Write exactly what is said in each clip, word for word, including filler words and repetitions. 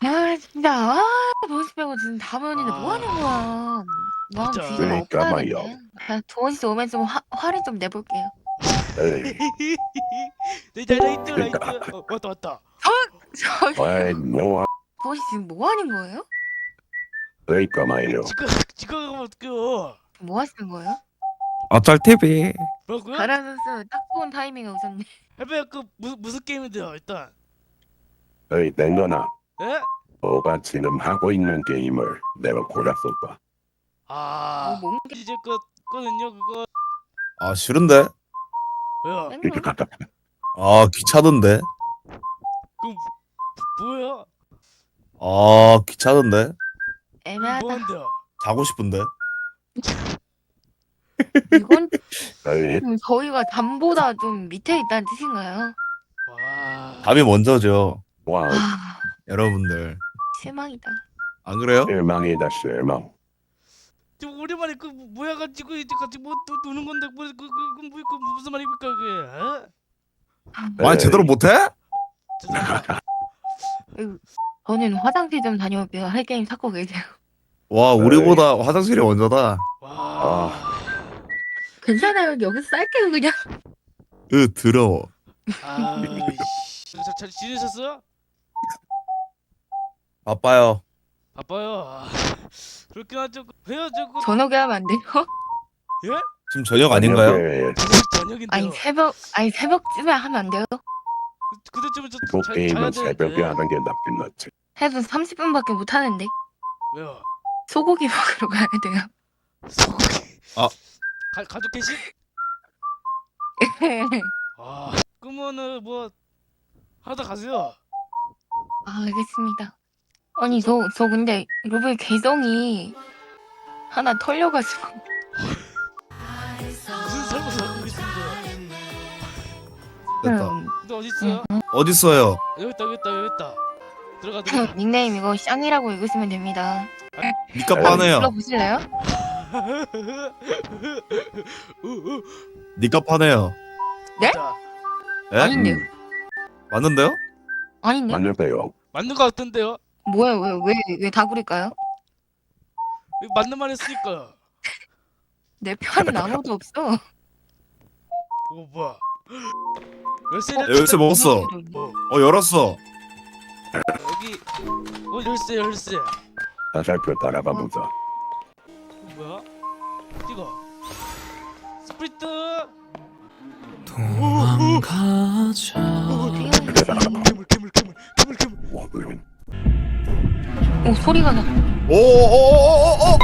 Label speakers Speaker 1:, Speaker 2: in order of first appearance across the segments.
Speaker 1: 아 진짜 아 도원씨 빼고 진짜 다 모였는데 뭐 하는 거야. 나
Speaker 2: 진짜.
Speaker 1: 뒤좀
Speaker 3: 그러니까 말이야.
Speaker 1: 엎어야겠네. 그냥 도원씨 오면 좀 화, 화를 좀 내볼게요.
Speaker 3: 에이,
Speaker 2: 내 라이트 라이트.
Speaker 3: 그러니까.
Speaker 2: 어, 왔다 왔다.
Speaker 1: 저기
Speaker 3: 아이, 뭐,
Speaker 1: 도원씨 지금 뭐 하는 거예요?
Speaker 3: 그러니까 말이야.
Speaker 2: 지금 지금 가면 어떡해요?
Speaker 1: 뭐 하시는 거예요?
Speaker 4: 어쩔 티비.
Speaker 2: 뭐라고요?
Speaker 1: 가라 선수 딱 좋은 타이밍에 오셨네.
Speaker 2: 해봐요. 그 무슨 무슨 게임인데요 일단?
Speaker 3: 에이, 땡거나.
Speaker 2: 예?
Speaker 3: 너가 지금 하고 있는 게임을 내가 골랐을 거야.
Speaker 2: 아
Speaker 1: 뭐 뭔
Speaker 2: 이제 그 거든요 그거.
Speaker 4: 아 싫은데?
Speaker 2: 왜요?
Speaker 1: 게?
Speaker 4: 아 귀찮은데?
Speaker 2: 그럼 뭐예요?
Speaker 4: 아 귀찮은데?
Speaker 1: 애매하다.
Speaker 2: 뭐한대요?
Speaker 4: 자고 싶은데?
Speaker 1: 이건
Speaker 3: 에이,
Speaker 1: 좀 저희가 담보다 좀 밑에 있다는 뜻인가요?
Speaker 2: 와.
Speaker 4: 답이 먼저죠.
Speaker 3: 와,
Speaker 1: 아
Speaker 4: 여러분들
Speaker 1: 실망이다.
Speaker 4: 안 그래요?
Speaker 3: 실망이다, 실망.
Speaker 2: 지금 오랜만에 그 모여가지고 이제 같이 뭐 또 노는 건데 뭐그 그 그 뭐 그 무슨 말입니까 그게? 어?
Speaker 4: 말 제대로 못해?
Speaker 2: 죄송합니다.
Speaker 1: 저는 화장실 좀 다녀올게요. 할 게임 찾고 계세요.
Speaker 4: 와 우리보다 화장실이 먼저다.
Speaker 2: 와.
Speaker 1: 괜찮아요. 여기서 쌀게요 그냥.
Speaker 4: 으 더러워.
Speaker 2: 아. 잘, 잘 지내셨어요?
Speaker 4: 바빠요.
Speaker 2: 바빠요. 아, 그렇긴 하죠. 왜요 저거?
Speaker 1: 저녁에 하면 안 돼요?
Speaker 2: 예?
Speaker 4: 지금 저녁 아닌가요?
Speaker 3: 저녁에
Speaker 2: 저녁 저녁인데요.
Speaker 1: 아니 새벽 아니 새벽쯤에 하면 안 돼요?
Speaker 2: 그때쯤은 저
Speaker 3: 그
Speaker 2: 자, 자야
Speaker 3: 게임은
Speaker 2: 되는데.
Speaker 3: 새벽에 하는 게 낫긴 낫지.
Speaker 1: 해도 삼십 분밖에 못 하는데
Speaker 2: 왜요?
Speaker 1: 소고기 먹으러 가야 돼요.
Speaker 2: 소고기.
Speaker 4: 아.
Speaker 2: 가 가족 계신? 아. 그러면은 뭐 하다 가세요.
Speaker 1: 아 알겠습니다. 아니 저 저 근데 로블 계정이 하나 털려가지고
Speaker 2: 무슨 삶을 살고 계신데?
Speaker 4: 됐다.
Speaker 1: 음,
Speaker 2: 근데 어디 있어요?
Speaker 4: 어딨어요?
Speaker 2: 여기 있다 여기 있다 여기 있다. 들어가 들어가.
Speaker 1: 닉네임 이거 쌍이라고 읽으시면 됩니다.
Speaker 4: 니값
Speaker 3: 에이.
Speaker 4: 파네요.
Speaker 1: 불러보실래요?
Speaker 4: 니값 파네요.
Speaker 1: 네?
Speaker 2: 자,
Speaker 4: 예?
Speaker 1: 아닌데요?
Speaker 3: 음,
Speaker 4: 맞는데요?
Speaker 1: 아닌데?
Speaker 3: 맞는데요.
Speaker 2: 맞는 거 같던데요?
Speaker 1: 뭐야 왜왜왜 다구릴까요?
Speaker 2: 맞는 말 했으니까.
Speaker 1: 내 편은 아무도 없어.
Speaker 2: 어 뭐야? 열쇠를
Speaker 4: 열쇠 먹었어.
Speaker 2: 어,
Speaker 4: 어 열었어.
Speaker 2: 여기 어 열쇠 열쇠.
Speaker 3: 화살표 따라가 보자.
Speaker 2: 뭐야? 이거 스프리트.
Speaker 5: 도망가자.
Speaker 2: 괴물 괴물 괴물 괴물 괴물.
Speaker 3: 와, 그러면.
Speaker 1: 오 소리가 나.
Speaker 4: 오오오오오오.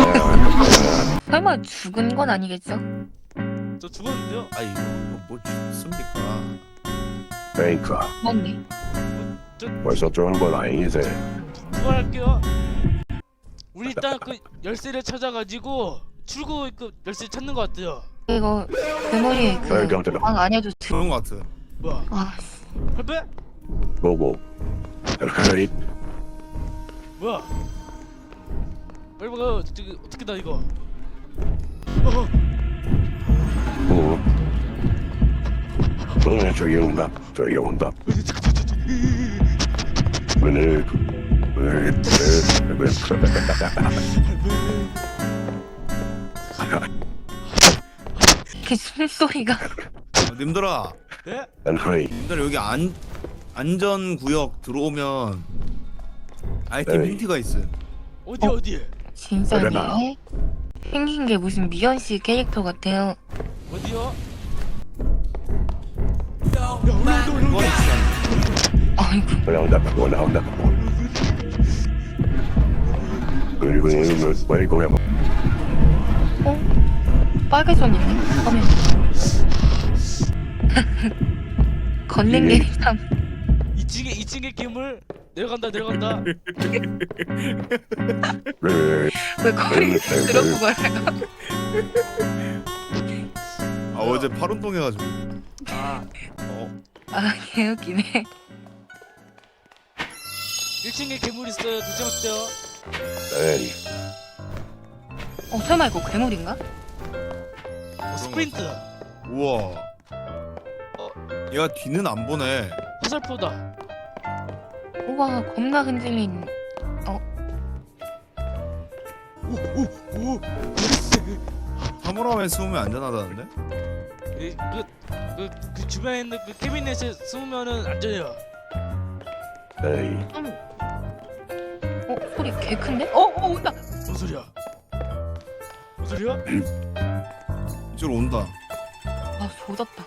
Speaker 1: 설마 죽은 건 아니겠죠?
Speaker 2: 저 죽었는데요?
Speaker 4: 아이 뭐 죽습니까?
Speaker 3: 그러니까
Speaker 1: 맞네.
Speaker 3: 벌써 좋은 건 아니지.
Speaker 2: 부활할게요. 우리 일단 그 열쇠를 찾아가지고 출구 그 열쇠 찾는 것 같아요.
Speaker 1: 이거 괴물이
Speaker 3: 설경 들어.
Speaker 1: 그방 안에도 들.
Speaker 4: 그런 거 같아.
Speaker 2: 뭐야?
Speaker 1: 아
Speaker 2: 할배?
Speaker 3: 보고. 에이,
Speaker 2: 뭐야? 빨리 먹어. 저기 어떻게 다 이거? 어,
Speaker 3: 어. 어, 저기 온다. 저기 온다. 오늘 오늘
Speaker 1: 이렇게 숨소리가.
Speaker 4: 어, 님들아,
Speaker 2: 네?
Speaker 3: 안크레이.
Speaker 4: 님들 여기 안 안전 구역 들어오면 아이템
Speaker 3: 에이.
Speaker 4: 힌트가 있어.
Speaker 2: 어디
Speaker 1: 어?
Speaker 2: 어디?
Speaker 3: 그러나.
Speaker 1: 진짜네. 생긴 게 무슨 미연 씨 캐릭터 같아요.
Speaker 2: 어디요?
Speaker 4: 그건 있어.
Speaker 1: 아이고
Speaker 3: 올라온다. 올라온다. 그리고 이거 왜 이거야?
Speaker 1: 어? 빨개 손 있네. 화면. 걷는 게 참.
Speaker 2: 이 층에 이 층에 괴물 내려간다 내려간다.
Speaker 3: 왜?
Speaker 1: 왜 거리 들어고 말아요?
Speaker 4: 아 어제 팔 운동해가지고.
Speaker 2: 아
Speaker 4: 어.
Speaker 1: 아 개웃기네.
Speaker 2: 일 층에 괴물 있어요. 조심하세요.
Speaker 3: 에이,
Speaker 1: 어 설마 이거 괴물인가?
Speaker 2: 어, 스프린트.
Speaker 4: 우와. 얘가 뒤는 안 보네.
Speaker 2: 화살표다.
Speaker 1: 우와 겁나 흔들린.
Speaker 2: 오오오
Speaker 4: 사물함에 숨으면 안전하다는데?
Speaker 2: 그그 그 주변에 있는 그 캐비넷에 숨으면은 안전해요.
Speaker 3: 에이,
Speaker 1: 음. 어 소리 개 큰데? 어어 온다.
Speaker 2: 뭔 소리야? 뭔 소리야?
Speaker 4: 이쪽으로 온다.
Speaker 1: 아 조졌다.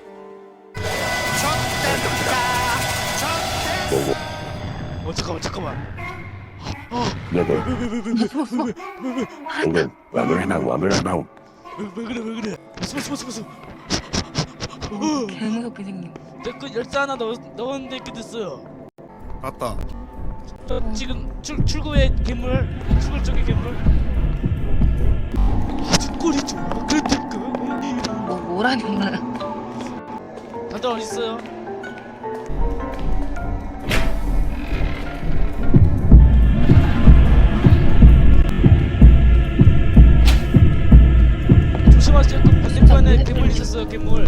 Speaker 3: 보고
Speaker 2: 어 잠깐만 잠깐만.
Speaker 3: 너도
Speaker 2: 왜왜왜왜왜왜왜왜
Speaker 3: 방금 와물 해봐 와물 해봐.
Speaker 2: 그래 왜 그래? 숨어 숨어 숨어 숨어.
Speaker 1: 개 무섭게 생긴.
Speaker 2: 내그 열쇠 하나 넣 넣었는데 이렇게 됐어요.
Speaker 4: 갔다.
Speaker 2: 저 지금 출 출구에 괴물, 출구 쪽에 괴물. 아주 꼴이 좋아. 그런데 그
Speaker 1: 뭐 뭐라는 거야?
Speaker 2: 다들 어디 있어요? 조심하세요. 그 반대편에 괴물 있었어요. 괴물.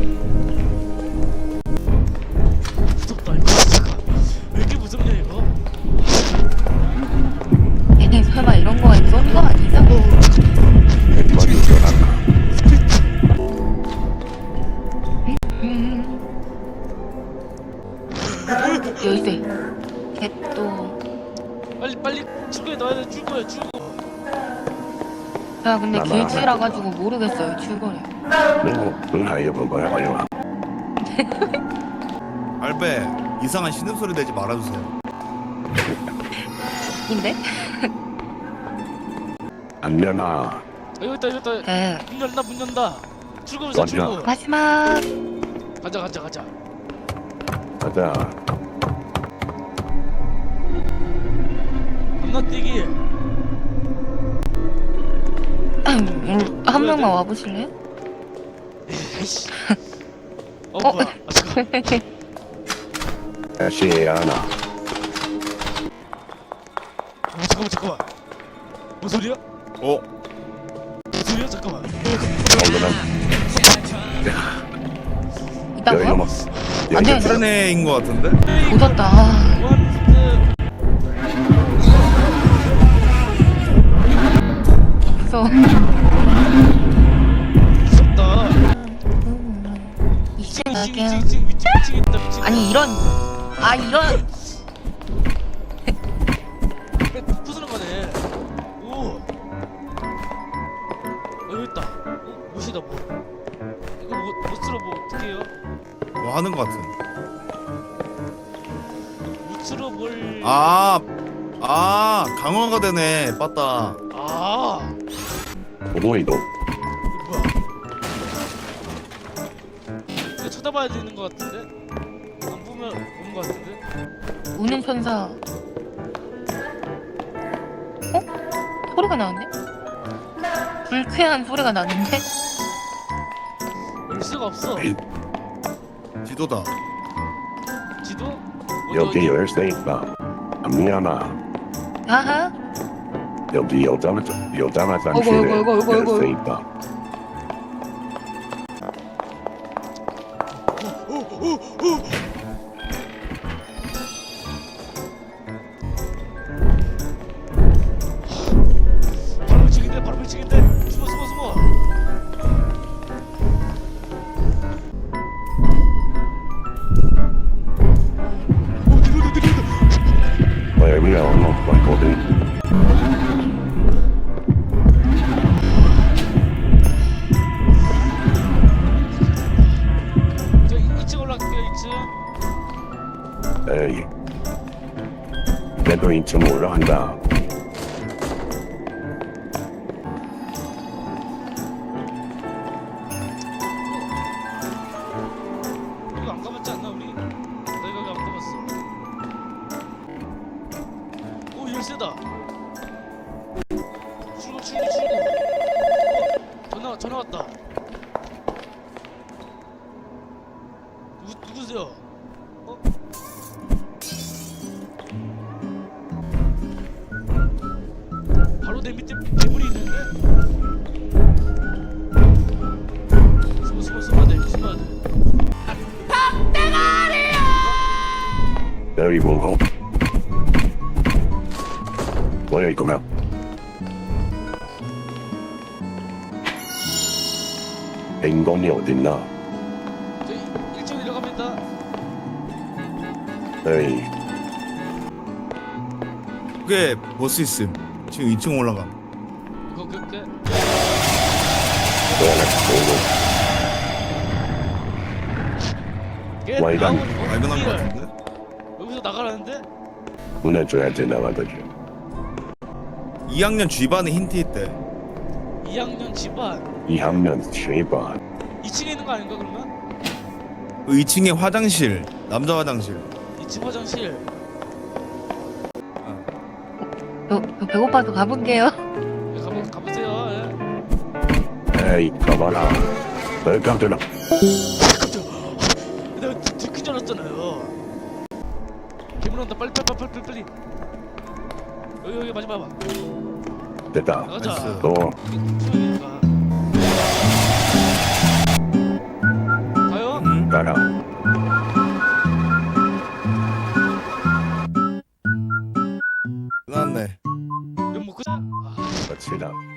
Speaker 2: 무섭다 이거 진짜. 왜 이렇게 무섭냐 이거?
Speaker 1: 얘네 설마 이런 거가 있던 거 아니죠?
Speaker 3: 머리 돌아가.
Speaker 1: 음. 열쇠. 개또.
Speaker 2: 빨리 빨리 출구에 넣어야 돼. 출구에 출구.
Speaker 1: 야 근데
Speaker 3: 나나.
Speaker 1: 길치라 가지고 모르겠어요 출거를.
Speaker 3: 너너 하여 본 거야 하여.
Speaker 4: 알베 이상한 신음소리 내지 말아주세요.
Speaker 1: 인데?
Speaker 3: 안 되나?
Speaker 2: 아, 여기 있다 여기 있다.
Speaker 1: 네.
Speaker 2: 문 열다 문 연다. 출구에서
Speaker 3: 맞냐?
Speaker 2: 출구.
Speaker 1: 마지막.
Speaker 2: 가자 가자 가자.
Speaker 3: 가자.
Speaker 2: 건너뛰기.
Speaker 1: 음, 한 명만 와보실래요?
Speaker 2: 에이씨. 어,
Speaker 1: 어?
Speaker 2: 뭐야? 아, 잠깐.
Speaker 3: 다시 하나.
Speaker 2: 어, 잠깐만 잠깐만. 뭔 소리야?
Speaker 4: 어?
Speaker 2: 뭔 소리야? 잠깐만.
Speaker 3: 오늘은 여기
Speaker 1: 있다고요?
Speaker 3: 넘어.
Speaker 1: 안 돼.
Speaker 4: 다른 애인 것 같은데?
Speaker 1: 조졌다. 아,
Speaker 2: 원스.
Speaker 1: 무서워.
Speaker 2: 무섭다.
Speaker 1: 이층
Speaker 2: 미친
Speaker 1: 갈게요.
Speaker 2: 미친 미친 미친 미친 있다 미친.
Speaker 1: 아니 이런. 아 이런.
Speaker 2: 부수는 거네. 오. 어 여기 있다. 어 못이다 뭐. 이거 못 못으로 뭐 어떻게 해요?
Speaker 4: 뭐 하는 것 같은.
Speaker 2: 못으로 뭘?
Speaker 4: 아, 아 강화가 되네. 빠따.
Speaker 2: 아.
Speaker 3: 보도 이동.
Speaker 2: 이거 뭐야? 이거 쳐다봐야 되는 것 같은데? 안 보면 오는 것 같은데?
Speaker 1: 우는 천사. 어? 소리가 나는데? 불쾌한 소리가 나는데?
Speaker 2: 열 수가 없어.
Speaker 4: 지도다.
Speaker 2: 지도? 어디,
Speaker 3: 여기
Speaker 2: 어디?
Speaker 3: 열쇠 있다. 미안하.
Speaker 1: 아하.
Speaker 3: 여기 여자 여자
Speaker 1: 어이구,
Speaker 3: 화장실에
Speaker 1: 어이구, 어이구, 어이구, 어이구.
Speaker 3: 열쇠 있다.
Speaker 2: 바로 미치겠네 바로 미치겠네. 숨어 숨어 숨어. 오 내려온다 내려온다.
Speaker 3: 어, 여기가 얼마 왔거든.
Speaker 2: 저 이 층 올라갈게요 이 층.
Speaker 3: 에이. 내도 인천 올라간다.
Speaker 2: 이거 안 가봤지 않나 우리? 나 이거 안 가봤어. 오 열쇠다. 출구 출구 출구. 어, 전화 전화 왔다. 누구 누구세요? 어? 바로 내 밑에 괴물이 있는데? 숨어 숨어 숨어야 돼 숨어야 돼.
Speaker 3: 여기 보고 모여 있구나. 인공이 어딨나?
Speaker 2: 저희 일 층 내려갑니다.
Speaker 3: 에이,
Speaker 4: 그게 보스 있음. 지금 이 층 올라가.
Speaker 2: 이거 그게
Speaker 3: 뭐야,
Speaker 2: 걔
Speaker 3: 와이간.
Speaker 2: 나오는 거
Speaker 4: 발견한 거
Speaker 2: 길을
Speaker 4: 같은데?
Speaker 2: 여기서 나가라는데?
Speaker 3: 보내줘야지 나가더지.
Speaker 4: 이 학년 G반에 힌트 있대.
Speaker 2: 이 학년 집안
Speaker 3: 이 학년 쉐이반.
Speaker 2: 이 층에 있는 거 아닌가 그러면?
Speaker 4: 그 이 층에 화장실. 남자 화장실.
Speaker 2: 이 층 화장실.
Speaker 1: 저, 저 배고파서 가볼게요.
Speaker 2: 네, 가보 가보세요. 예.
Speaker 3: 에이, 가봐라. 깜짝이야.
Speaker 2: 내가 들킨 줄 알았잖아요. 괴물 온다. 빨리 빨리 빨리 빨리 빨리. 여기 여기 마지막 봐.
Speaker 3: 됐다.
Speaker 2: 나가자.
Speaker 4: 나이스.
Speaker 3: 또,
Speaker 2: 수영이니까. 가요?
Speaker 4: 응?
Speaker 3: 가라.
Speaker 4: 끝났네.
Speaker 2: 면 먹고 자. 아,
Speaker 3: 갑시다.